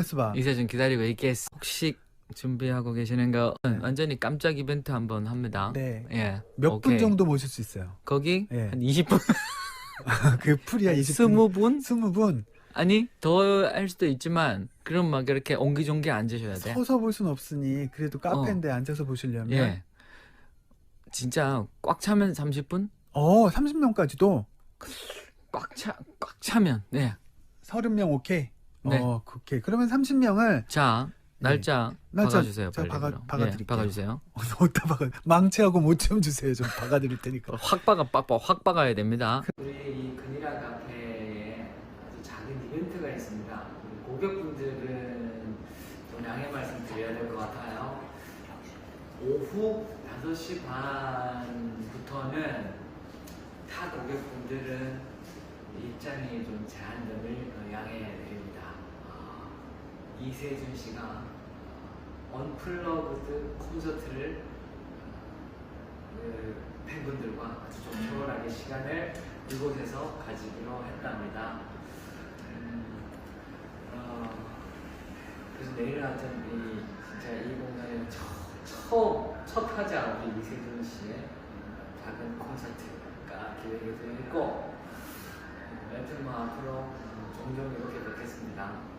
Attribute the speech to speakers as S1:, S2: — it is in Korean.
S1: 했어 봐.
S2: 이세준 기다리고 있겠어. 혹시 준비하고 계시는 거 완전히 깜짝 이벤트 한번 합니다.
S1: 네.
S2: 예.
S1: 몇 분
S2: 오케이.
S1: 정도 모실 수 있어요?
S2: 거기
S1: 예.
S2: 한 20분,
S1: 그 풀이야 20분.
S2: 20분?
S1: 20분.
S2: 아니 더 할 수도 있지만 그럼 막 이렇게 옹기종기 앉으셔야 돼.
S1: 서서 볼 순 없으니 그래도 카페인데 앉아서 보시려면
S2: 예. 진짜 꽉 차면 30분?
S1: 30명까지도
S2: 꽉 차면. 네.
S1: 30명 오케이.
S2: 네.
S1: 오케이. 그러면 30명을
S2: 자, 날짜 박아주세요.
S1: 제가
S2: 빨리.
S1: 박아드릴게요.
S2: 박아주세요.
S1: 어디다 박아? 망치하고 못 좀 주세요. 좀 박아드릴 테니까.
S2: 확 박아야 됩니다. 우리 이 근이라 카페에 아주 작은 이벤트가 있습니다. 우리 고객분들은 좀 양해 말씀 드려야 될 것 같아요. 오후 5시 반부터는 타 고객분들은 입장이 좀 제한됨을 양해해 드립니다. 이세준 씨가 언플러그드 콘서트를 팬분들과 아주 좀 초월하게 시간을 이곳에서 가지기로 했답니다. 그래서 내일 하여튼 진짜 이 공연의 첫 타자 우리 이세준 씨의 작은 콘서트가 기획이 되어 있고 여튼 뭐 앞으로 종종 이렇게 뵙겠습니다.